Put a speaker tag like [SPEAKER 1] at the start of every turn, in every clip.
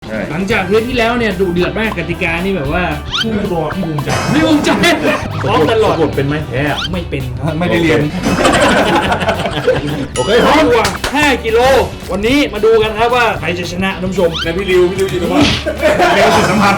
[SPEAKER 1] หลังจากเทปที่แล้วเนี่ยดุเดือดมากกติกานี่แบบว่า
[SPEAKER 2] ผู้ตัวพี่ภูมิใจ
[SPEAKER 1] ไม่ภูมิใจซ้อมตลอด
[SPEAKER 2] กดเป็นไหมแพ้
[SPEAKER 1] ไม่เป็น
[SPEAKER 2] ไม่ได้เรียนโอเคพร้อม
[SPEAKER 1] กว่า5 กิโลวันนี้มาดูกันครับว่าใครจะชนะท่านผู้ชม
[SPEAKER 2] ในพี่ริวจิตรวัฒน์เร็วสุดสัมผัส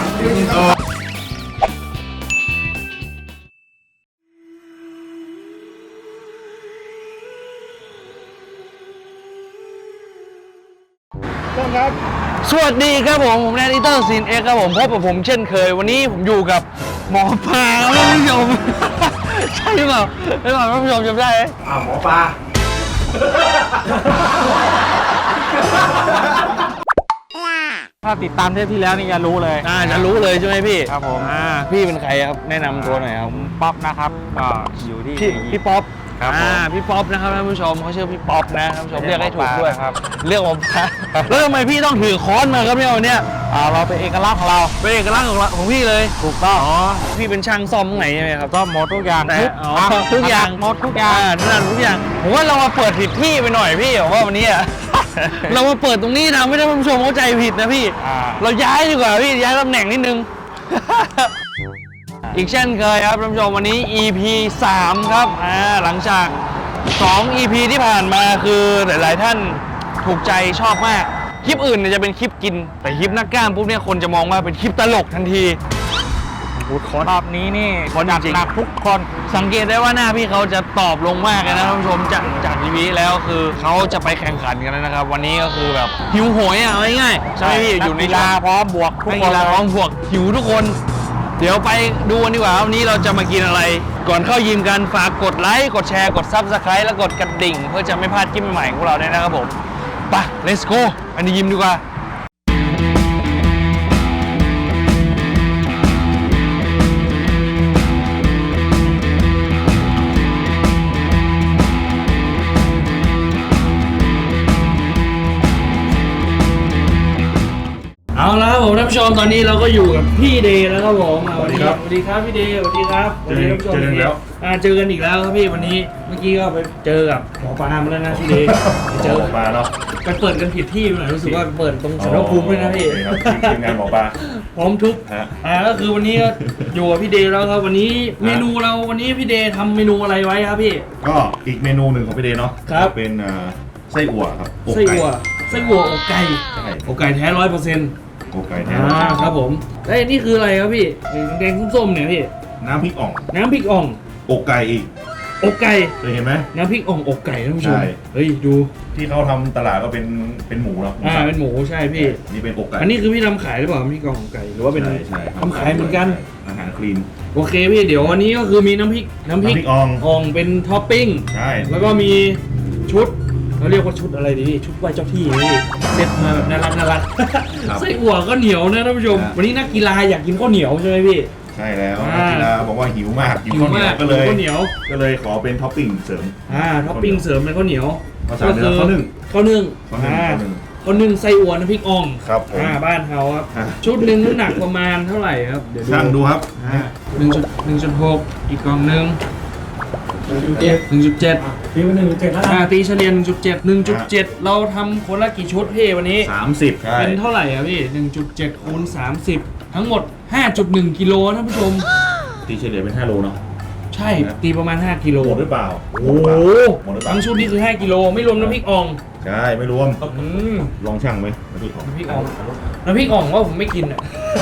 [SPEAKER 2] ครับ
[SPEAKER 1] สวัสดีครับผมแนทอีเตอร์ซีนเอ็กครับผมพบกับผมเช่นเคยวันนี้ผมอยู่กับหมอปลาท่านผู้ชม ใช่เปล่าใช่เปล่าท่านผู้ชมจำได้ไหม
[SPEAKER 2] หมอปลา
[SPEAKER 3] ถ้าติดตามเทปที่แล้วนี่จะรู้เลย
[SPEAKER 1] จะรู้เลยใช่ไหมพี่
[SPEAKER 3] ครับผม
[SPEAKER 1] พี่เป็นใครครับแนะนำตัวหน่อยครับ
[SPEAKER 3] ป๊อปนะครับก็อยู่ที่
[SPEAKER 1] พี่ป๊อป
[SPEAKER 3] ครับผม
[SPEAKER 1] พี่ป๊อปนะครับท่านผู้ชมเขาชื่อพี่ป๊อปนะท่านผู้ชมเรียกให้ถูกด้วย
[SPEAKER 3] ครับ
[SPEAKER 1] เรียกผมปลาแล้วทำไมพี่ต้องถือค้อนมาครับเนี่ยวันเนี้ย
[SPEAKER 3] เราเป็นเอกลักษณ์ของเรา
[SPEAKER 1] เป็นเอกลักษณ์ของพี่เลย
[SPEAKER 3] ถูกต้อง
[SPEAKER 1] พี่เป็นช่างซ่อมตรงไหนใช่ไหมครับ
[SPEAKER 3] ก็หมดทุกอย่าง
[SPEAKER 1] แต่
[SPEAKER 3] ทุก
[SPEAKER 1] ทุกอย่าง
[SPEAKER 3] หมดทุกอย่าง
[SPEAKER 1] นั่นทุกอย่างผมว่าเรามาเปิดผิดที่ไปหน่อยพี่ผมว่าวันนี้ เรามาเปิดตรงนี้ทำให้ท่านผู้ชมเข้าใจผิดนะพี่ เราย้ายดีกว่าพี่ย้ายตำแหน่งนิดนึง อีกเช่นเคยครับท่านผู้ชมวันนี้ EP 3 ครับหลังจาก 2 EP ที่ผ่านมาคือหลายๆท่านถูกใจชอบมากคลิปอื่นเนี่ยจะเป็นคลิปกินแต่คลิปนักกล้ามปุ๊บเนี่ยคนจะมองว่าเป็นคลิปตลกทันที
[SPEAKER 3] รอบนี้นี่
[SPEAKER 1] คนจริง
[SPEAKER 3] หนักทุกคน
[SPEAKER 1] สังเกตได้ว่าหน้าพี่เขาจะตอบลงมากเลยนะท่านผู้ชมจากทีวีแล้วคือเขาจะไปแข่งขันกันแล้วนะครับ วันนี้ก็คือแบบหิวโหยเอาง่ายๆใช่ไหมพี่อยู่ใน
[SPEAKER 3] กีฬาพร้อมบวกทุก
[SPEAKER 1] นัก
[SPEAKER 3] ค
[SPEAKER 1] กี
[SPEAKER 3] น
[SPEAKER 1] ฬาพร้อมบวกหิวทุกคน เดี๋ยวไปดูกันดีกว่าวันนี้เราจะมากินอะไร ก่อนเข้ายิมกันฝากกดไลค์กดแชร์กด Subscribe และกดกระดิ่ง เพื่อจะไม่พลาดคลิปใหม่ๆของพวกเราด้วยนะครับผมไป let's go ไปในยิมดีกว่าเอาละครับผมท่านผู้ชมตอนนี้เราก็อยู่กับพี่เดย์แล้วครับผมสวัสดีครับสวัสดีครับพี่เดย์สวัสดีครับสวัสดีท่านผู้ชม
[SPEAKER 2] เจอกันแล้ว
[SPEAKER 1] เจอกันอีกแล้วครับพี่วันนี้เมื่อกี้ก็ไปเจอกับหมอปลามาแล้วนะพี่เดย์ไปเจอ
[SPEAKER 2] หมอปลาเนาะ
[SPEAKER 1] ไปเปิดกันผิดที่ไปหน่อยรู้สึกว่าเปิดตรงสารภูมิด้วยนะพี่
[SPEAKER 2] ครับทีมงานหมอปลา
[SPEAKER 1] พร้อมทุก
[SPEAKER 2] ฮะ
[SPEAKER 1] ก็คือวันนี้ก็อยู่กับพี่เดย์แล้วครับวันนี้เมนูเราวันนี้พี่เดย์ทำเมนูอะไรไว้ครับพี่
[SPEAKER 2] ก็อีกเมนูหนึ่งของพี่เดย์เนาะ
[SPEAKER 1] ครับ
[SPEAKER 2] เป็นไส้อั่วครับอก
[SPEAKER 1] ไส้
[SPEAKER 2] ก่
[SPEAKER 1] อั่วอกไก่
[SPEAKER 2] ใช่
[SPEAKER 1] อกไก่แท้100%
[SPEAKER 2] อกไก่แท้
[SPEAKER 1] ครับผมแล้วนี่คืออะไรครับพี่แดงๆส้มๆเนี่ยพี่
[SPEAKER 2] น้ำพริกอ่อง
[SPEAKER 1] น้ำพริกอ่อง
[SPEAKER 2] อกไก่อีก
[SPEAKER 1] อกไก่
[SPEAKER 2] เคยเห็นไหม
[SPEAKER 1] น้ำพริกอ่องอกไก่ท่านผู้ชม
[SPEAKER 2] ใช่
[SPEAKER 1] เฮ้ยดู
[SPEAKER 2] ที่เขาทำตลาดก็เป็นหมูเนาะ
[SPEAKER 1] เป็นหมูใช่พี่
[SPEAKER 2] นี่เป็นอกไก่
[SPEAKER 1] อันนี้คือพี่ทำขายหรือเปล่าน้ำพริกอ่องอกไก่หรือว่าเป็น
[SPEAKER 2] ใช่
[SPEAKER 1] ทำขายเหมือนกัน
[SPEAKER 2] อาหารคลีน
[SPEAKER 1] โอเคพี่เดี๋ยววันนี้ก็คือมีน้ำพริก
[SPEAKER 2] อ่อง
[SPEAKER 1] อ่องเป็นท็อปปิ้ง
[SPEAKER 2] ใช่
[SPEAKER 1] แล้วก็มีชุดเราเรียกว่าชุดอะไรดีชุดไหว้เจ้าที่นี่เซ็ตมาแบบน่ารักไส้อั่วก็เหนียวนะท่านผู้ชมวันนี้นักกีฬาอยากกินข้าวเหนียวใช่ไหมพี่
[SPEAKER 2] ใช่แล้วนักกีฬาบอกว่าหิวมากหิวข้าวเหนียว
[SPEAKER 1] มาก
[SPEAKER 2] ก็เลย
[SPEAKER 1] ข้าวเหนียว
[SPEAKER 2] ก็เลยขอเป็นท็อปปิ้งเสริม
[SPEAKER 1] ท็อปปิ้งเสริมเป็นข้าวเหนียว
[SPEAKER 2] ภาษาเหนือข้าวนึ่ง
[SPEAKER 1] ข้าวนึ่ง
[SPEAKER 2] ข้าวนึ่ง
[SPEAKER 1] ข้าวนึ่งไส้อั่วน้ำพริกอ่อง
[SPEAKER 2] ครับผม
[SPEAKER 1] บ้านเขาครับ
[SPEAKER 2] อ่า
[SPEAKER 1] ชุดหนึ่งน้ำหนักประมาณเท่าไหร่ครับเดี๋ยว
[SPEAKER 2] ช่างดูครับ
[SPEAKER 1] 1.6อีกกล่องหนึ่ง1.7
[SPEAKER 3] ปีวัน1.7แล้ว
[SPEAKER 1] ตีเฉลี่ย1.7เราทำคนละกี่ชุดพี่วันนี้
[SPEAKER 2] 30ใช่
[SPEAKER 1] เป็นเท่าไหร่อะพี่ 1.7 คูณ 30 ทั้งหมด 5.1 กิโลท่านผู้ชม
[SPEAKER 2] ตีเฉลี่ยเป็น5โลเนาะ
[SPEAKER 1] ใช่ตีประมาณ 5 กิโล
[SPEAKER 2] หมดหรือเปล่า
[SPEAKER 1] โอ้โห
[SPEAKER 2] หมดหรือเปล่า
[SPEAKER 1] ทั้งชุดนี้คือ 5 กิโลไม่รวมน้ำพริกอ่อง
[SPEAKER 2] ใช่ไม่รวม
[SPEAKER 1] อืม
[SPEAKER 2] ลองช่างไหมน้ำพริกของ
[SPEAKER 1] น้ำพริกอ่องว่าผมไม่กินอ่ะ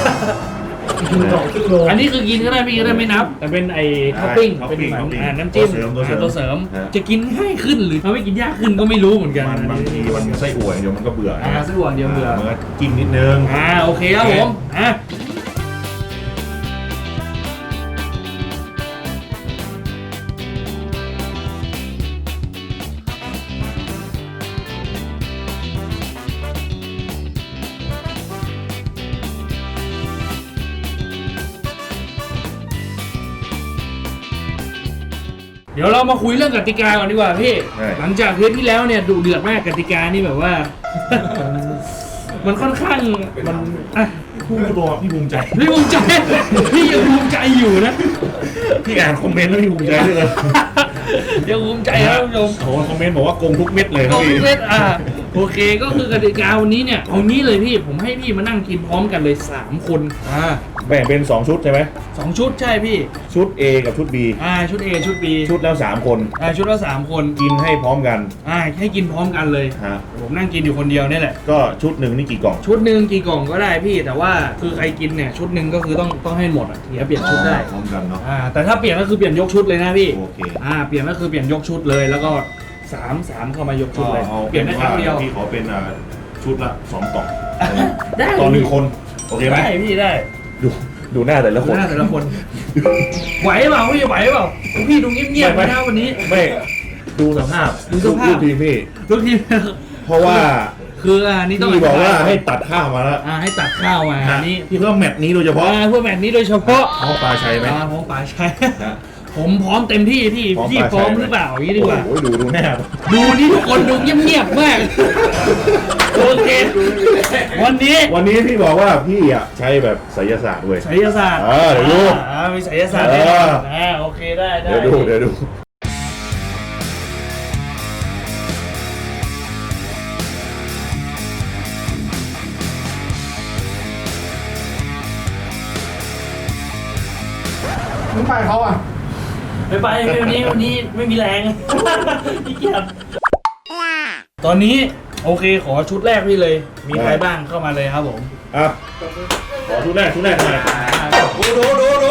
[SPEAKER 1] อันนี้คือกินก็ได้พี่ก็ได้ไม่นับ แต่เป็นไอ้ท็อปปิ้งเป็นเหมือนน้ำจิ้มตัวเสริม จะกินง่ายขึ้นหรือทำให้กินยากขึ้นก็ไม่รู้เหมือนกัน
[SPEAKER 2] มันบางทีมันไส้อั่วเดี๋ยวมันก็เบื่อ
[SPEAKER 1] ไส้อั่วเดียวเบื่อ
[SPEAKER 2] มันก็จิ้มนิดนึง
[SPEAKER 1] โอเคครับผมเดี๋ยวเรามาคุยเรื่องกติกาก่อนดีกว่าพี่ หลังจากเทปที่แล้วเนี่ยดุเดือดมากกติกานี่แบบว่า มันค่อนข้างมัน
[SPEAKER 2] ผู้ตัวพี่ภูมิใจ
[SPEAKER 1] พี่ภูมิใจ พี่ยังภูมิใจอยู่นะ
[SPEAKER 2] พี่อ่านคอมเมนต์แล้วพี่ภูมิใจด้วยเลย
[SPEAKER 1] ยังภูมิใจครับท่านผู้ชม
[SPEAKER 2] โอ้โหคอมเมนต์บอกว่าโกงทุกเม็ดเลย
[SPEAKER 1] โกงทุกเม็ดโอเคก็คือกติกาวันนี้เนี่ยเอางี้เลยพี่ผมให้พี่มานั่งกินพร้อมกันเลย3คน
[SPEAKER 2] แบ่งเป็น2ชุดใช่ไหม
[SPEAKER 1] 2ชุดใช่พี่
[SPEAKER 2] ชุด A กับชุด B
[SPEAKER 1] ชุด A ชุด B
[SPEAKER 2] ชุดแล้ว3 คน
[SPEAKER 1] ชุดละ3 คน
[SPEAKER 2] กินให้พร้อมกัน
[SPEAKER 1] ให้กินพร้อมกันเลย
[SPEAKER 2] ฮะ
[SPEAKER 1] ผมนั่งกินอยู่คนเดียวนี่แหละ
[SPEAKER 2] ก็ชุดหนึ่งนี่กี่กล่อง
[SPEAKER 1] ชุดหนึ่งกี่กล่องก็ได้พี่แต่ว่าคือใครกินเนี่ยชุดหนึ่งก็คือต้องให้หมดเดี๋ยวเปลี่ยนชุดได้
[SPEAKER 2] พร้อมกันเนาะ
[SPEAKER 1] แต่ถ้าเปลี่ยนก็คือเปลี่ยนยกชุดเลยนะพี่
[SPEAKER 2] โอเค
[SPEAKER 1] เปลี่ยนก็คือเปลี่ยนยกชุดเลยแล้วก็3เข้ามายกชุดเลย
[SPEAKER 2] เอา
[SPEAKER 1] เปลี่ยนได้ครั้งเดียว
[SPEAKER 2] พี่ขอเป็นชุดละ2 กล่อง
[SPEAKER 1] ได้
[SPEAKER 2] ต่อ1 คนโอเคไหม
[SPEAKER 1] ได้พี่ได้
[SPEAKER 2] ดูหน้าแต่ละคน
[SPEAKER 1] หน้าแต่ละคนไหวเปล่าพี่ไหวเปล่าพี่ดูเงียบๆไปนะวันนี้
[SPEAKER 2] ไม่ดูสภาพ
[SPEAKER 1] ดูสภาพ
[SPEAKER 2] ลูกทีมพี่
[SPEAKER 1] ทุกที
[SPEAKER 2] เพราะว่า
[SPEAKER 1] คืออันนี้ต้อง
[SPEAKER 2] พี่บอกว่าให้ตัดข้าวมาแล้ว
[SPEAKER 1] ให้ตัดข้าวมาอันนี้
[SPEAKER 2] พี่เพื่อแมตช์นี้โดยเฉพาะ
[SPEAKER 1] เพื่อแมตช์นี้โดยเฉพาะ
[SPEAKER 2] เอาปลาชัยไหม
[SPEAKER 1] พร้อมป่าชัย
[SPEAKER 2] นะ
[SPEAKER 1] ผมพร้อมเต็มที่พี่พี่พร้อมหรือเปล่าอย่างนี้ดีกว่า
[SPEAKER 2] โอ้ยดูหน้า
[SPEAKER 1] ดูนี่ทุกคนดูเงียบๆมากโอเควันนี้
[SPEAKER 2] พี่บอกว่าพี่ใช้แบบไสยศาสตร์เว้ย
[SPEAKER 1] ไสยศาสตร์
[SPEAKER 2] เดี๋ยวดู
[SPEAKER 1] มีไสยศาสตร์แน่นอนโอเคได้
[SPEAKER 2] เดี๋ยวดูมึงไปเขาอ่ะ
[SPEAKER 1] ไปวันนี้ไม่มีแรงขี้เกียจตอนนี้โอเคขอชุดแรกพี่เลย มีใครบ้างเข้ามาเลยครับผม
[SPEAKER 2] ขอชุดแรกหน่อยดู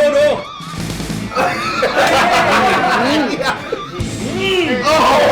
[SPEAKER 2] โอ้โห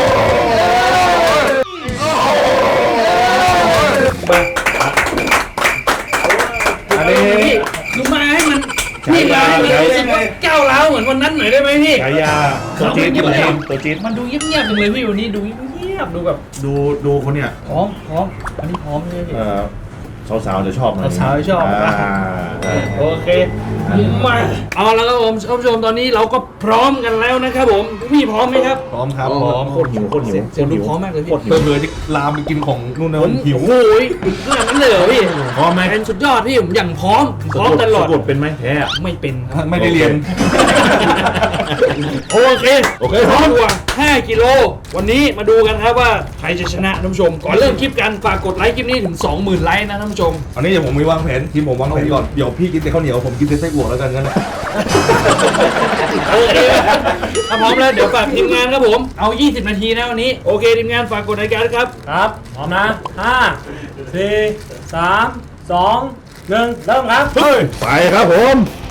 [SPEAKER 2] อันนี้
[SPEAKER 1] คือมาให้มันพี่มาให้มันรู้สึกว่าก้าวร้าวเหมือนวันนั้นหน่อยได้ไหมพี่
[SPEAKER 2] ฉายาตัวจี๊ดตัวจี๊ด
[SPEAKER 1] มันดูเงียบๆจังเลยพี่วันนี้ดูเงียบดูแบบ
[SPEAKER 2] ดูคนเนี่ย
[SPEAKER 1] พร้อมอันนี้พร้อมใช่ไหม
[SPEAKER 2] สาวๆจะชอบนะ
[SPEAKER 1] สาวๆชอบ โอเคมาเอาแล้วครับผมท่านผู้ชมตอนนี้เราก็พร้อมกันแล้วนะครับผมพี่พร้อมไหมครับ
[SPEAKER 2] พร้อมครับโคตรหิว
[SPEAKER 1] เสียงดูพร้อมมากเลยพี่
[SPEAKER 2] เผื่อจะลามไปกินของนู่นนะหิว
[SPEAKER 1] โอ้ยขนาดนั้นเลยเหรอพี่
[SPEAKER 2] พร้อมไหม
[SPEAKER 1] เป็นสุดยอดพี่ผมอย่างพร้อมตลอด
[SPEAKER 2] สะกดเป็นไหมแท้
[SPEAKER 1] ไม่เป็นครับ
[SPEAKER 2] ไม่ได้เรียน
[SPEAKER 1] โอเคพร้อมกว่า5 กิโลวันนี้มาดูกันครับว่าใครจะชนะท่านผู้ชมก่อนเริ่มคลิปกันฝากกดไลค์คลิปนี้ถึง 20,000 ไลค์นะท่านผู้ชม
[SPEAKER 4] อันนี้เดี๋ยวผมมีวางแผนทีมผมวางแผนก่อนเดี๋ยวพี่กินแต่ข้าวเหนียวผมกินแต่ไส้อั่วแล้วกันงั้นนะ
[SPEAKER 1] โอเคถ้าพร้อมแล้วเดี๋ยวฝากทีมงานครับผมเอา20 นาทีนะวันนี้โอเคทีมงานฝากกดรายการครับ
[SPEAKER 3] ครับพร้อมนะ5 4 3 2 1เริ่มครับ
[SPEAKER 2] ไปครับผม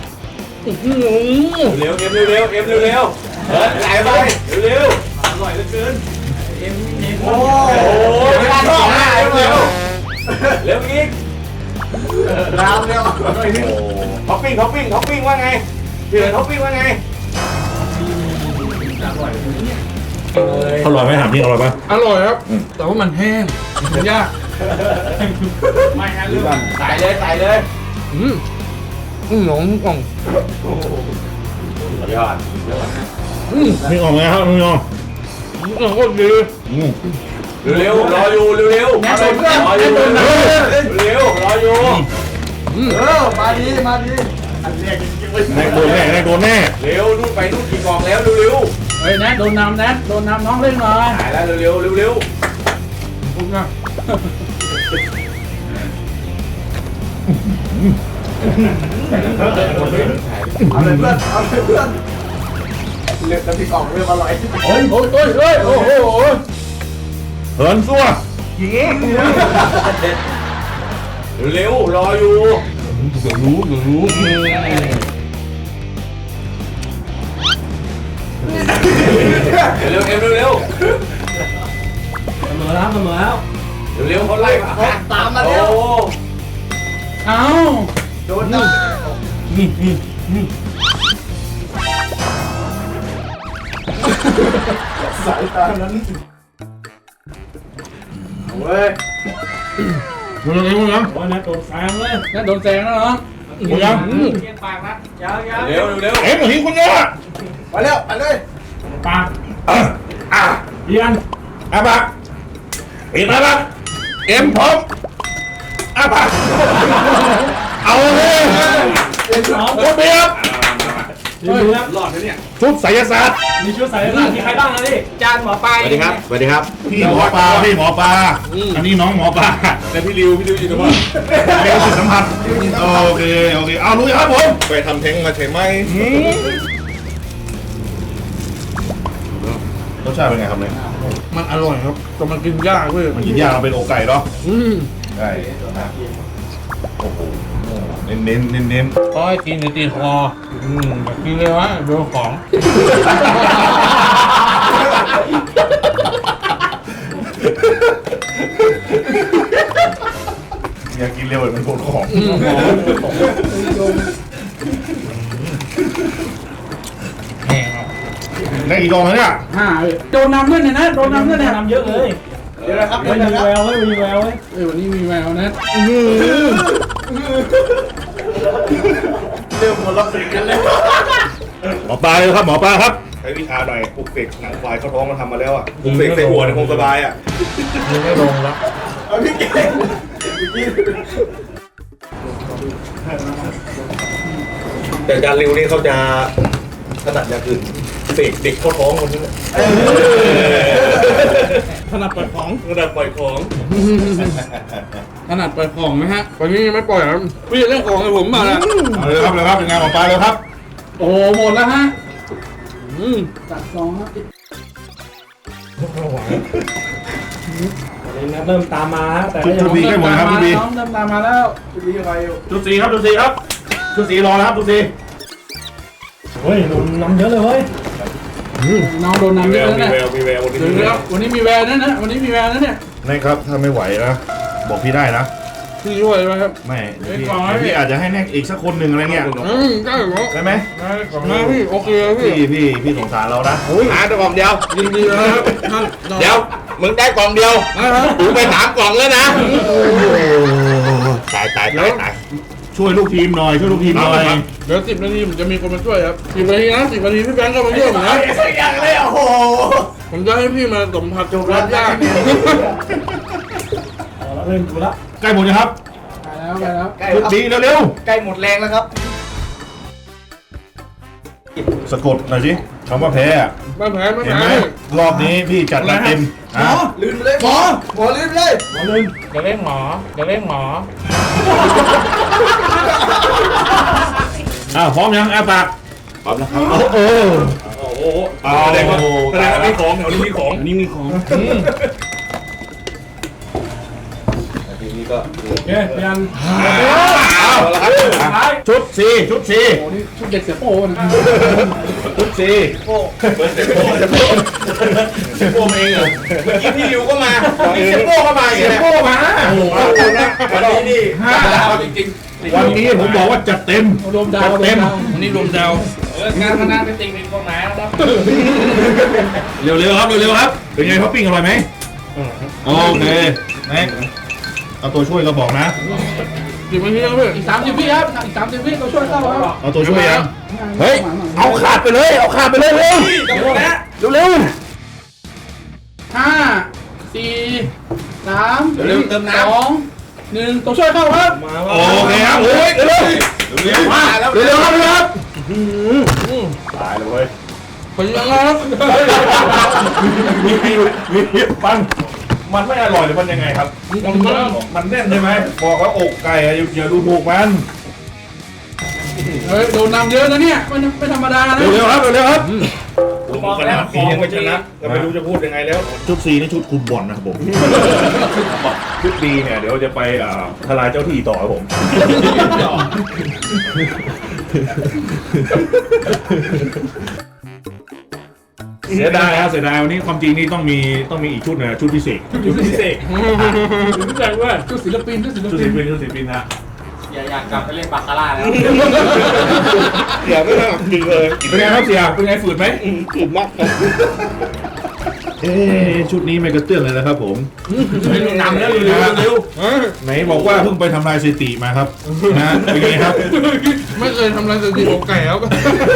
[SPEAKER 4] เร็วเอ็มเร็วเอ็มเร็วไหลไปเร็วอร่อยเหลือเกินโอ้เวลาท้องเร็วเร็วอีกรามเร็วท็อปปิ้งว่าไงเดือดท็อปปิ้งว่าไง
[SPEAKER 2] อร่อยไหมถามจริงอร่อยปะ
[SPEAKER 1] อร่อยครับ แต่ว่ามันแห้งมันยาก
[SPEAKER 4] ไม่ฮะเรื่องใส่เลย
[SPEAKER 1] หนองกล่อง
[SPEAKER 4] ยอด
[SPEAKER 2] มีออกไหมครับมีออก
[SPEAKER 1] กล่องก็ดี
[SPEAKER 4] เร็วรออยู่เร็วรออยู่เร็วรออยู่มาดี
[SPEAKER 2] แน่โดนแน่
[SPEAKER 4] เร็วนู่นไปนู่นกี่กล่องแล้วเร็ว
[SPEAKER 1] เฮ้ยนะโดนน้ำน้องเล่นหน่อย
[SPEAKER 4] หายแล้วเร็ว
[SPEAKER 1] ปุ๊บนะ
[SPEAKER 4] เอาเลยเพื่อนเลือกน้ำพริกกล่องเริ่มอร่อย
[SPEAKER 1] โอ้โหโอ้โห
[SPEAKER 2] เหินซัว
[SPEAKER 4] เร็วรออยู่
[SPEAKER 2] รู้
[SPEAKER 4] เร็ว
[SPEAKER 1] เสมอแล้ว
[SPEAKER 4] เร็วเขาไล่มาตามมาเร็ว
[SPEAKER 1] เอา
[SPEAKER 4] โดนนะ สายตานั้นเว้ย
[SPEAKER 2] มึงยัง
[SPEAKER 1] โอ้ยนะโดนแซงเลยนะโดนแซงแล้วเหรอ
[SPEAKER 2] มึงยัง
[SPEAKER 1] เพียงปากนะยาว
[SPEAKER 4] เร็ว
[SPEAKER 2] เอ็มหิวคุณเนี่ย
[SPEAKER 4] ไปเร็วไปเลย
[SPEAKER 1] ปาก
[SPEAKER 2] เรียนอาบักปิดอาบักเอ็มพร้อมอาบักเอาเลย
[SPEAKER 4] เป็นสอง
[SPEAKER 2] โคตรเบียบ
[SPEAKER 1] เฮ้ย
[SPEAKER 3] ครับ
[SPEAKER 2] หลอดเลยเนี่ยชุดไสยศาสตร์
[SPEAKER 3] มีชุดใส่หน้ามีใครบ้างนะนี่จานหมอปลา
[SPEAKER 4] สวัสดีครับสวัสดีครับ
[SPEAKER 2] พี่หมอปลาอันนี้น้องหมอปลาแต่พี่ริวอยู่ตรงนั้นเร็วสุดสัมผัสโอเคเอาลุยครับผมไปทำเท้งมาใช่ไหมรสชาติเป็นไงครับเนี่ย
[SPEAKER 1] มันอร่อยครับแต่มันกินยากเว้ย
[SPEAKER 2] มันกินยากเราเป็นอกไก่เนาะไก่นะโอ้โหเน้น
[SPEAKER 1] ก็ให้กินตีคอแบบกินเลยวะโดนของ
[SPEAKER 2] อยากกินเร็วเหมือนโดนของได้กี่กองแล้วเนี่ย
[SPEAKER 5] โดนนำด้วยเนี่ยนะโดนนำด้วยเนี่ย
[SPEAKER 3] ทำเยอะเลย
[SPEAKER 5] เดี๋ยวนะครับ
[SPEAKER 3] มีแววเว้ยมีแววเว้ย
[SPEAKER 5] วันนี้มีแววนะ
[SPEAKER 2] หมอปลาเลยครับหมอปลาครับใช้วิชาหน่อยปลุกเสกหนังควายเข้าท้องมาทำมาแล้วอ่ะปลุกเสกใส่หัวเนี่ยคงสบายอ่ะ
[SPEAKER 1] ไม่ลงแล้ว
[SPEAKER 2] แต่อาจารย์ริวนี่เขาจะถนัดอย่างอื่นเสกเด็กเข้าท้องคนนี้
[SPEAKER 1] ถนัดปล่อยของ
[SPEAKER 2] ถนัดปล่อยของ
[SPEAKER 1] ถนัดปล่อยของไหมฮะวันนี้ไม่ปล่อยครับพี่เล่นของให้ผมมาแล้ว
[SPEAKER 2] เอาเลยครับเป็นไงหมอปลาเลยครับ
[SPEAKER 5] โอ้หมดแล้วฮะจัดซองครับ
[SPEAKER 3] เริ่มตามมาแต่
[SPEAKER 2] ชุดสีให้หมดนะครับชุดสี
[SPEAKER 5] น้องเริ่มตามมาแล้ว
[SPEAKER 2] ชุดสีครับชุดสีครับชุดสีรอแล้วครับชุดสี
[SPEAKER 3] เฮ้ยโดนน้ำเยอะเลยเว้ย
[SPEAKER 5] น้องโดนนำเยอะแล้วเนี่ย
[SPEAKER 2] มีแวววันนี้
[SPEAKER 5] เดี๋ยววันนี้มีแววนะนะวันนี้มีแววนะเนี่ย
[SPEAKER 2] นี่ครับถ้าไม่ไหวนะบอกพี่ได้นะ
[SPEAKER 1] พี่ช่วยไหมครับ
[SPEAKER 2] ไม่เดี๋ยวพี่อาจจะให้แน็กอีกสักคนหนึ่งอะไรเงี้ย
[SPEAKER 1] ได้เหรอ
[SPEAKER 2] ได้ไหม
[SPEAKER 1] ได้พี่โอเคพี่
[SPEAKER 2] พี่สงสารเรานะ
[SPEAKER 4] แต่กล่องเดียว
[SPEAKER 1] ยินดีนะครับท่าน
[SPEAKER 4] เดี๋ยว มึงได้กล่องเดียวกูไป3 กล่องแล้วนะ ตาย
[SPEAKER 2] ช่วยลูกทีมหน่อยช่วยลูกทีมหน่อย
[SPEAKER 1] เดี๋ยว10 นาทีผมจะมีคนมาช่วยครับ10 นาทีนะ10 นาทีพี่แบงค์ก็มาช่วยผมนะ
[SPEAKER 2] อย่างเลยโอ้โห
[SPEAKER 1] ผมจะให้พี่มาสัมผัสกับความยาก
[SPEAKER 3] เริ่มดูละ
[SPEAKER 2] ใกล้หมดยังครับ
[SPEAKER 5] ไปแล้ว
[SPEAKER 2] ชุดดีเร็ว
[SPEAKER 4] ใกล้หมดแรงแล้วครับ
[SPEAKER 2] ๆสะกดหน่อยสิคำว่าแพ้อะ
[SPEAKER 1] ไม่แพ้ไม่
[SPEAKER 2] เห็น
[SPEAKER 1] แพ้
[SPEAKER 2] ไหมรอบนี้พี่จัดมาเต็มอ่ะ
[SPEAKER 5] ลืมไปเลยหมอลืมไปเลย
[SPEAKER 1] จะเล่นหมอจะเล่นหมอ
[SPEAKER 2] พร้อมยังปาก
[SPEAKER 4] พร้อมแล้วครับ
[SPEAKER 2] โอ้โหแสดงว่ามีของแถวนี้มีของ
[SPEAKER 1] นี่มีของ
[SPEAKER 4] ทีนี้ก็
[SPEAKER 3] โอเคยัน
[SPEAKER 4] เอาละครับ
[SPEAKER 3] ท้าย
[SPEAKER 2] ชุดสีชุดสี
[SPEAKER 5] โอ้นี่ชุดเด็กเสียโป้นะ
[SPEAKER 2] ชุดสีโป้เซโป้เองเหรอ
[SPEAKER 4] เมื่อกี้พี่ริวก็มาพี่เซโป้ก็มาอีก
[SPEAKER 2] เซ
[SPEAKER 4] แล้ว
[SPEAKER 2] โป้มาโอ้โห
[SPEAKER 4] วันนี้นี่5 ดาวจริง
[SPEAKER 2] วันนี้ผมบอกว่าจัดเต็ม
[SPEAKER 5] รวมดาว
[SPEAKER 2] เต็ม
[SPEAKER 1] วันนี้รวมดาว
[SPEAKER 5] งานพนันเป็นติ่งเป็นกองหนาครับ
[SPEAKER 2] เร็วๆครับเร็วๆครับเป็นไงท็อปปิ้งอร่อยไหมโอเคแม็กเอาตัวช่วยก็บอกนะ
[SPEAKER 1] 10 นาทีแล้วพี่
[SPEAKER 5] อีก30 วิครับอีก30 วิเราช่วยเข้าครับ
[SPEAKER 2] เอาตัวช่วยยังเฮ้ยเอาขาดไปเลยเร็ว
[SPEAKER 4] ๆจะหมดแล้ว
[SPEAKER 2] เร็ว
[SPEAKER 5] 5 4 3
[SPEAKER 4] เร็วเติมน้ำ
[SPEAKER 5] 2 1ตัวช่วยเข้าครับ
[SPEAKER 2] โอเคครับโอ้ยเร็ว
[SPEAKER 4] มาแล้ว
[SPEAKER 2] เร็วครับเร็วครับตายเลยเว้ย
[SPEAKER 1] ขอยังครับ
[SPEAKER 2] มีปันมันไม่อร่อยหรือมันยังไงครับมันแน่นใช่ไหมบอกว่าอกไก่อะอย่าดูถูกมัน
[SPEAKER 5] เฮ้ยโดนนำเยอะนะเนี่ยไม่ธรรมดานะ
[SPEAKER 2] เร็วๆครับเร็วๆครับขนาดสียังไม่ชนะก็ไม่รู้จะพูดยังไงแล้วชุดสีนี่ชุดคุมบอลนะครับผมชุดดีเนี่ยเดี๋ยวจะไปทลายเจ้าที่ต่อครับผม เสียดายครับเสียดายวันนี้ความจริงนี่ต้องมีอีกชุดนะชุดพิเศษ
[SPEAKER 3] ชุดพิเศษรู้จักว่า
[SPEAKER 5] ชุดศิลปินชุดศิล
[SPEAKER 2] ชุด
[SPEAKER 5] ปิ
[SPEAKER 2] ศิ
[SPEAKER 5] น
[SPEAKER 2] ลปินชุดศิลปินนะ
[SPEAKER 4] อยากกลับไปเล่นบาคาร่าแล้ว
[SPEAKER 2] เสียไม่ต้องจริงเลยเป็นไงครับเสียเป็นไงฝืดไหม
[SPEAKER 4] ถูกมาก
[SPEAKER 2] ชุดนี้ไม่กระเตื้องเลยนะครับผม
[SPEAKER 3] นำแล้วเร็ว
[SPEAKER 2] ไหนบอกว่าเพิ่งไปทำลายสถิติมาครับนะเป็นไงครับ
[SPEAKER 1] ไม่เคยทำอะไรสถิติอกไก่ครับ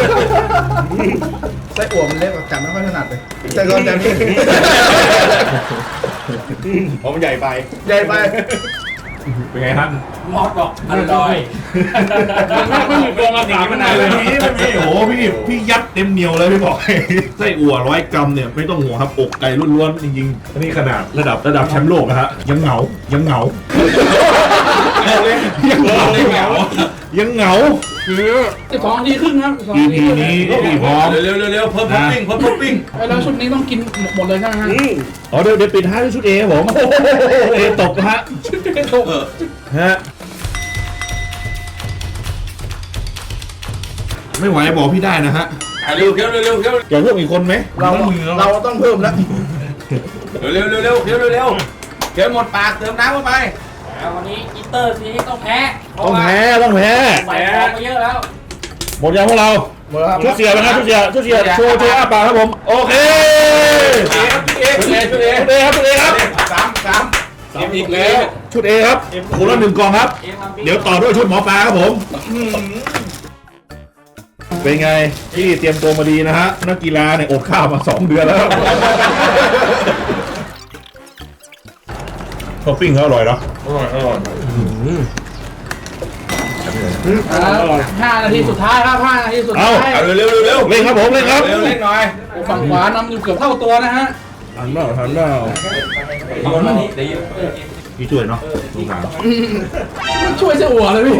[SPEAKER 6] ไส้อั่วมันเล็กจับไม่ค่อยถนัดเลยแต่ก็จับ
[SPEAKER 2] เพราะมันใหญ่ไป
[SPEAKER 6] ใหญ่ไป
[SPEAKER 2] เป็นไงฮะ
[SPEAKER 3] มอสบอกอร่อย
[SPEAKER 5] ไม่มีตัวมาถามมันไหนเลย
[SPEAKER 2] ไม่โอ้โหพี่ยัดเต็มเหนียวเลยพี่บอกให้ไส้อั่ว100 กรัมเนี่ยไม่ต้องห่วงครับอกไก่ล้วนๆจริงๆอันนี้ขนาดระดับแชมป์โลกนะฮะยังเหงายังเหงา
[SPEAKER 5] คือ2 นาทีครึ่งครับ2 นาที
[SPEAKER 2] EP นี้พี่พร้อม
[SPEAKER 4] เร็วเพิ่มท็อปปิ้ง
[SPEAKER 5] แล้วชุดนี้ต้องกินหมดเลยใช่ไหมฮะ
[SPEAKER 2] อ๋อเดี๋ยวปิดท้ายด้วยชุดเอครับผมเอตกนะฮะฮะไม่ไหวบอกพี่ได้นะฮะ
[SPEAKER 4] เร็วเร็ว
[SPEAKER 2] อยากเพิ่มอีกคนไหม
[SPEAKER 6] เราต้องเพิ่มแล้ว
[SPEAKER 4] เร็วหมดปากเติมน้ำเข้าไป
[SPEAKER 3] วันนี้อินเตอร์ซีต้องแพ้
[SPEAKER 2] ต้องแพ้
[SPEAKER 3] ใส่ของมาเยอะแล้ว
[SPEAKER 2] หมดยังพวกเรา
[SPEAKER 6] หมดแล้วครับ
[SPEAKER 2] ชุดเสียนะครับชุดเสียโชว์อ้าปากครับผมโอเคชุดเอครับ
[SPEAKER 4] สามอีกแล้ว
[SPEAKER 2] ชุดเอครับคนละ1 กล่องครับ เดี๋ยวต่อด้วยชุดหมอปลาครับผมเป็นไงที่เตรียมตัวมาดีนะฮะนักกีฬาเนี่ยอดข้าวมา2 เดือนแล้วท็อปปิ้งเขาอร่อยเนาะ
[SPEAKER 5] 5 นาทีสุดท้ายครับ5 นาทีสุดท้าย
[SPEAKER 4] เร็ว
[SPEAKER 2] เล่นครับผมเล่นครับ
[SPEAKER 4] เล่นหน่อย
[SPEAKER 5] ฝั่งขวานำอยู่เกือบเท่าตัวนะฮะ
[SPEAKER 2] ทันเปล่าพี่ช่วยเนาะสงสาร
[SPEAKER 5] มันช่วยเสียหัวเลยพี่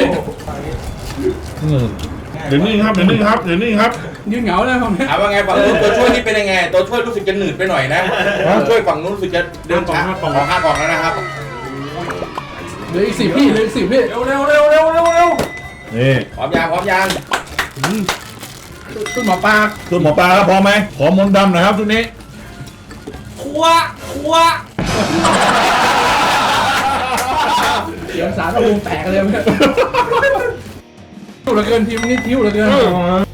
[SPEAKER 2] เดี๋ยวนี่ครับ
[SPEAKER 5] ยืนเหงาเลยผมเนี่ย
[SPEAKER 4] ถามว่าไงฝั่งนู้นตัวช่วยนี่เป็นยังไงตัวช่วยรู้สึกจะหนืดไปหน่อยนะตัวช่วยฝั่งนู้นรู้สึกจะเดินช้าของ5 กล่องแล้วนะครับ
[SPEAKER 5] เหลืออีก10 พี่เหลืออีก10 พี่
[SPEAKER 4] เร็ว
[SPEAKER 2] นี่
[SPEAKER 4] พร้อมยาง
[SPEAKER 5] ชุดหมอปลา
[SPEAKER 2] ชุดหมอปลาครับพร้อมไหมขอมนต์ดำหน่อยครับชุดนี้
[SPEAKER 3] ครัว
[SPEAKER 5] เสียงสารระวงแตกเลยเนี่ยทิ้วเหลือเกินทีมนี้ทิ้วเหลือเกิน
[SPEAKER 4] เร็ว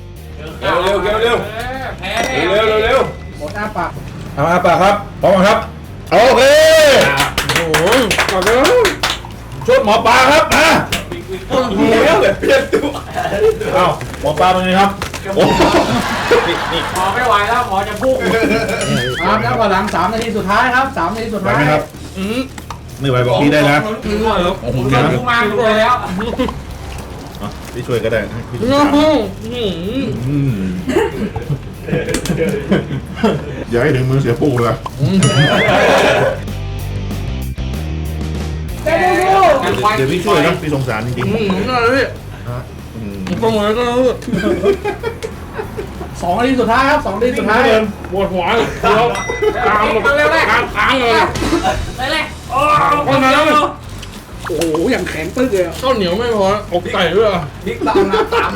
[SPEAKER 3] แพ้
[SPEAKER 5] หมดหน้าปาก
[SPEAKER 2] เอาอาปากครับพร้อมครับโอเคชุดหมอปลาครับมา
[SPEAKER 4] แบบเปลี่ยนตัว
[SPEAKER 2] อ้าวหมอปลาเป็นไงครับโอ้
[SPEAKER 3] หมอไม่ไหวแล้วหมอจะพุ่ง
[SPEAKER 5] ครับแล้วก็หลัง3 นาทีสุดท้ายครับ3 นาทีสุด
[SPEAKER 2] ไหว
[SPEAKER 5] ท้าย
[SPEAKER 2] ไหมครับไม่ไหวบอกพี่ได้นะโอ้โห
[SPEAKER 3] เดินพุ่งมาเลยแล้ว
[SPEAKER 2] พี่ช่วยก็ได้อย่าให้ถึงมือเสียปูเลย เดี๋ยวพี่ช่วยนะพี่สงสารจริงๆ
[SPEAKER 5] 2 นาทีสุดท้ายครับ2 นาทีสุดท้าย
[SPEAKER 1] ปวดหัวเราตามค้างเลย
[SPEAKER 5] โอ้โหอย่างแข็งตึ๊กเลย
[SPEAKER 1] ข้าวเหนียวไม่พออกไก่ด้วย
[SPEAKER 4] พริกตามน้ำตาม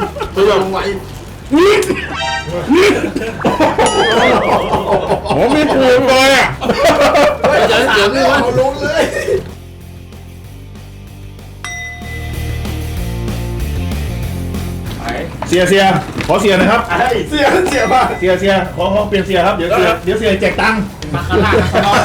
[SPEAKER 2] ผมไม่ถูกเลยอ่ะ
[SPEAKER 6] เดี๋ยวนี่ว่าลงเลย
[SPEAKER 2] เสียขอเสียหนะครับ
[SPEAKER 6] เสียมาก
[SPEAKER 2] เสียขอเปลี่ยนเสียครับเดี๋ยวเสียแจกตังค์
[SPEAKER 3] มาข้างล่างข้างนอก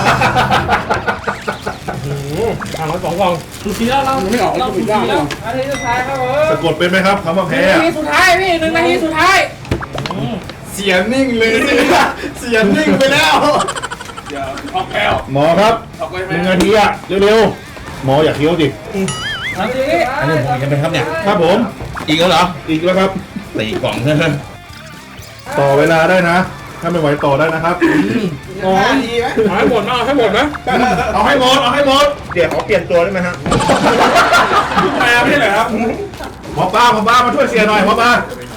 [SPEAKER 1] ทางละ2 กล่อง
[SPEAKER 5] สุดทีแล้วเราไม่ออกเราสุดยอดเลย
[SPEAKER 3] นาทีสุดท้ายครับผม
[SPEAKER 2] สะกดเป็นไหมครับคำว่าแพ้
[SPEAKER 3] นาทีสุดท้ายพี่1 นาทีสุดท้าย
[SPEAKER 6] เสียนิ่งเลยเสียนิ่งไปแล้ว
[SPEAKER 2] หมอครับ1 นาทีอ่ะเร็วๆหมออยากเคี้ยวดิ
[SPEAKER 3] นาที
[SPEAKER 4] อันนี้ผมกันไปครับเนี่ย
[SPEAKER 2] ครับผม
[SPEAKER 4] อีกแล้วเหรอ
[SPEAKER 2] อีกแล้วครับ
[SPEAKER 4] ตีกล่องใช่ไหม
[SPEAKER 2] ต่อเวลาได้นะ ถ้าไม่ไหวต่อได้นะครับ
[SPEAKER 1] ให้หมดนะให้หมดนะ
[SPEAKER 2] เอาให้หมดเดี๋ยวขอเปลี่ยนตัวได้ไหมฮะ
[SPEAKER 4] มาไม่ใช่เหรอครับ
[SPEAKER 2] หมอปลามาช่วยเสียหน่อยหมอปลาก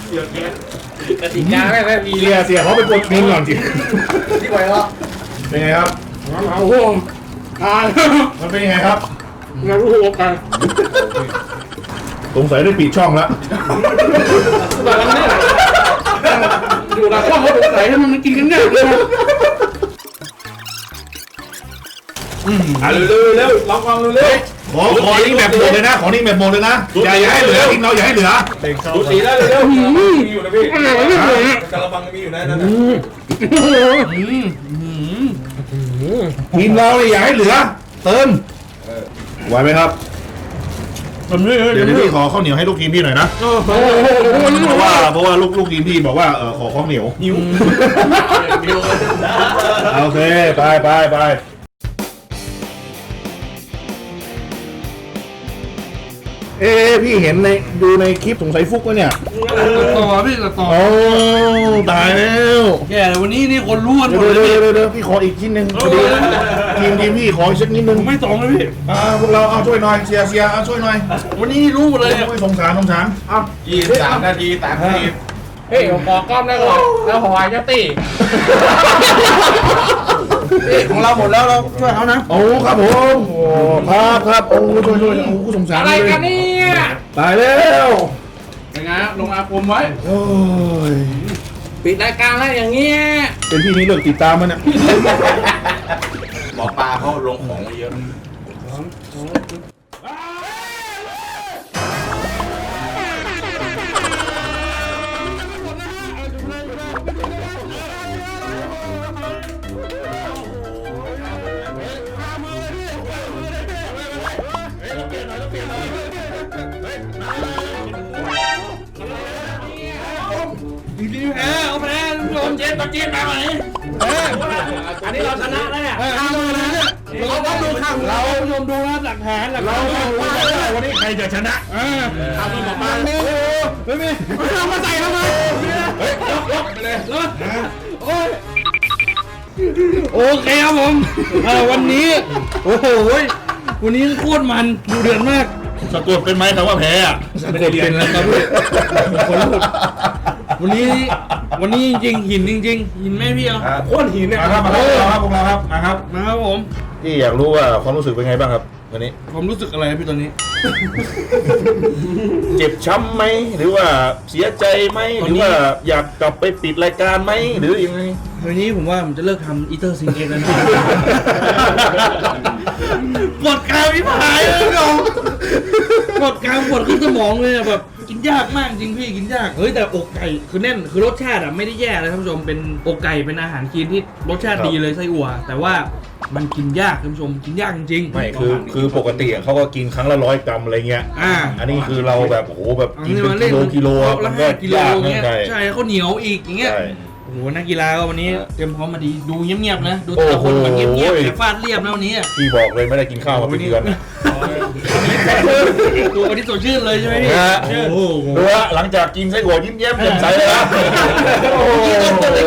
[SPEAKER 3] ติกาไม่ได้มี
[SPEAKER 2] เสียเขาไปกดเงินก่อนสิ
[SPEAKER 6] ที่ไหวแล้ว
[SPEAKER 2] เป็นไงครับ
[SPEAKER 5] โอ้โห
[SPEAKER 2] มันเป็นยังไงครับ
[SPEAKER 5] งานรู้หัวกัน
[SPEAKER 2] สงสัยได้ปิดช่องแล้ว
[SPEAKER 5] แต่ละเนี่ยอยู่หลังช่องเขาสงสัยให้มันกินกันง่ายเลยนะ
[SPEAKER 4] เร็วลองฟังเร็ว
[SPEAKER 2] ขอนี่แบบหมดเลยนะ อย่าให้เหลือทิ้งเราอย่าให้เหลือ
[SPEAKER 4] ดูสีแล้วเร็วมีอยู่นะพี่กระบังมีอยู่นะนั่น
[SPEAKER 2] ทีมเราเนี่ยอย่าให้เหลือ เติมไหวไหมครับ เดี๋ยวพี่ขอข้าวเหนียวให้ลูกทีมพี่หน่อยนะ เพราะว่าลูกทีมพี่บอกว่าขอข้าวเหนียวโอเคไปพี่เห็นในดูในคลิปสงสัยฟุกวะเนี่ย
[SPEAKER 5] ต่อพี่ต่อ
[SPEAKER 2] โอ้ตายแล้ว
[SPEAKER 5] แย่เลยวันนี้นี่คนรู้กันหมด
[SPEAKER 2] เดี๋ยว
[SPEAKER 5] เลยพี่
[SPEAKER 2] เดี๋ยวพี่ขออีกชิ้นหนึ่งพอดีทีมพี่ขออีกสักนิดนึง
[SPEAKER 5] ผมไม่ตรงเลยพี่
[SPEAKER 2] พวกเราเอาช่วยหน่อยเสียเอาช่วยหน่อย
[SPEAKER 5] วันนี้รู้หมดเลยเนี่ย
[SPEAKER 2] สงสารเอา
[SPEAKER 6] 23 นาที30
[SPEAKER 4] เฮ้ยผมขอกล้องได้ก่อนแล้วหอยจะตี
[SPEAKER 5] ของเราหมดแล้วเราช่วยเขานะ
[SPEAKER 2] โอ้ครับผมโอ้ครับโอ้ช่วยโอ้สงสาร
[SPEAKER 4] อะไรกันเนี่ย
[SPEAKER 2] ตายแล้ว
[SPEAKER 5] เป็นไงลงอาคมไว้
[SPEAKER 2] โอ้ย
[SPEAKER 4] ปิดรายการแล้วอย่างเงี้ย
[SPEAKER 2] เป็นพี่นี่เลิกติดตามมันเนี่ย
[SPEAKER 6] หมอปลาเขาลงของมาเยอะ
[SPEAKER 5] จริงๆแพ้เอาแพ้ทุกคนเจ็บตัวเจ็บมาไหม
[SPEAKER 4] อันนี้เราชนะแล้วเนี่ย
[SPEAKER 5] เราต้องดูข่าวเราชมดูนะหลักฐานเรา
[SPEAKER 2] วันนี้ใครจะชนะ
[SPEAKER 5] ทำมันบอกมาไม่มีเอามาใส่ทำไมไปเลยโอเคครับผมวันนี้โอ้โหวันนี้โคตรมันดูเดือดมาก
[SPEAKER 2] สะกดเป็นไหมคำว่าแพ้อะ
[SPEAKER 5] ไม่ได้เรียนแล้วครับพี่คนลุกวันนี้จริงๆหินจริงๆหินแม่พี่เอา
[SPEAKER 4] โคตรหินเนี่ย
[SPEAKER 2] มาครับพวกเราครับมาครับ
[SPEAKER 5] มาครับผม
[SPEAKER 2] พี่อยากรู้ว่าความรู้สึกเป็นไงบ้างครับวันนี้
[SPEAKER 5] ผมรู้สึกอะไรพี่ตอนนี้
[SPEAKER 2] เจ็บช้ำไหมหรือว่าเสียใจไหมหรือว่าอยากกลับไปปิดรายการไหมหรือยังไง
[SPEAKER 5] วันนี้ผมว่าผมจะเลิกทำอีเตอร์ซิงเกตแล้วนะปวดกรามพี่ผายเลยพี่ผมปวดกรามปวดขึ้นสมองเลยอะแบบกินยากมากจริงพี่กินยากเฮ้ยแต่อกไก่คือแน่นคือรสชาติอะไม่ได้แย่เลยท่านผู้ชมเป็นอกไก่เป็นอาหารคลีนที่รสชาติดีเลยไส้อั่วแต่ว่ามันกินยากท่านผู้ชมกินยากจริงๆ
[SPEAKER 2] ไม่คือปกติอะเขาก็กินครั้งละ100 กรัมอะไรเงี้ย
[SPEAKER 5] อั
[SPEAKER 2] นนี้คือเราแบบโอ้โหแบบกินเป็น
[SPEAKER 5] ล่
[SPEAKER 2] กิโล
[SPEAKER 5] ละ
[SPEAKER 2] มันก็
[SPEAKER 5] 5 กิโล
[SPEAKER 2] ยาก
[SPEAKER 5] เงี้ย
[SPEAKER 2] ใช่
[SPEAKER 5] ใช่ข้าวเหนียวอีกอย่างเงี้ย
[SPEAKER 2] ใช่
[SPEAKER 5] โอ้โหนักกีฬาก็วันนี้เตรียมพร้อมมาดีดูเงียบๆนะดูแต่ละคนมันเงียบๆแต่ฟาดเรียบนะวันนี้
[SPEAKER 2] พี่บอกเลยไม่ได้กินข้าวมาเป็นเดือนนะ
[SPEAKER 5] ดูวันนี้สดชื่นเลยใช่ไหมพี่
[SPEAKER 2] นะฮะ
[SPEAKER 5] โอ้โห
[SPEAKER 2] ดูว่าหลังจากกินไส้อั่วยิ้มแย้มแจ่มใสเลยนะ
[SPEAKER 5] เปิดราย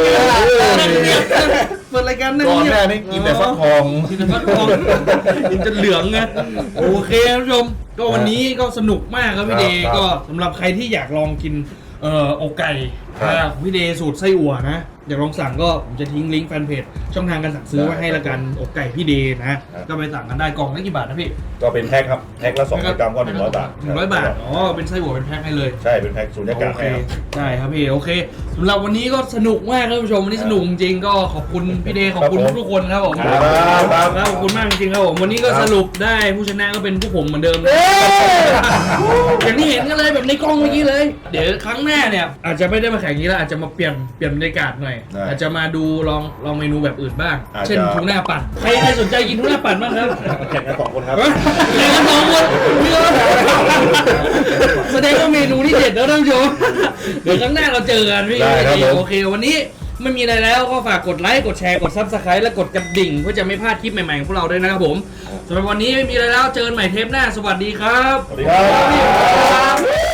[SPEAKER 5] การนั่ง
[SPEAKER 2] ก่อน
[SPEAKER 5] เงียบ
[SPEAKER 2] แม่นี่กินแต่ฟักทอง
[SPEAKER 5] กินแต่ฟักทองกินจนเหลืองไงโอเคท่านผู้ชมก็วันนี้ก็สนุกมากครับพี่เดย์ก็สำหรับใครที่อยากลองกินอกไก่ของพี่เดย์สูตรไส้อั่วนะอยากลองสั่งก็ผมจะทิ้งลิงก์แฟนเพจช่องทางการสั่งซื้อไว้ให้ละกันอกไก่พี่เดย์นะก็ไปสั่งกันได้กล่องละกี่บาทนะพี่
[SPEAKER 2] ก็เป็นแพ็คครับแพ็คละ200 กรัมก็100 บาท
[SPEAKER 5] 100 บาทอ๋อเป็นไส้อั่วเป็นแพ็คให้เลย
[SPEAKER 2] ใช่เป็นแพ็คสูญญากาศ
[SPEAKER 5] โอเค
[SPEAKER 2] ให้ครับ
[SPEAKER 5] ได้ครับพี่โอเคสำหรับวันนี้ก็สนุกมากครับท่านผู้ชมวันนี้สนุกจริงๆก็ขอบคุณพี่เดย์ขอบคุณทุกคนครับผม
[SPEAKER 2] ครับ
[SPEAKER 5] ขอบคุณมากจริงๆครับผมวันนี้ก็สรุปได้ผู้ชนะก็เป็นพวกผมเหมือนเดิมอย่างที่เห็นกันเลยแบบในกล้องเมื่อกี้เลย เดี๋ยวครั้งหน้าเนี่ยอาจจะไม่ได้มาแข่งนี้แล้วอาจจะมาเปลี่ยนบรรยากาศหน่อยอาจจะมาดูลองเมนูแบบอื่นบ้างเช่นทูน่าปั่นใครสนใจกินทูน่าปั่นบ้างครับ
[SPEAKER 2] แข่งกัน2 คนครับ
[SPEAKER 5] แข่งกัน2 คนแสดงว่าเมนูนี่เด็ดแล้วท่านผู้ชมเดี๋ยวครั้งหน้าเราเจอกันพี่โอเควันนี้ไม่มีอะไรแล้วก็ฝากกดไลค์กดแชร์กด Subscribe และกดกระดิ่งเพื่อจะไม่พลาดคลิปใหม่ๆของพวกเราด้วยนะครับผมสำหรับวันนี้ไม่มีอะไรแล้วเจอกันใหม่เทปหน้าสวัสดีครับ
[SPEAKER 2] สวัสดีครับ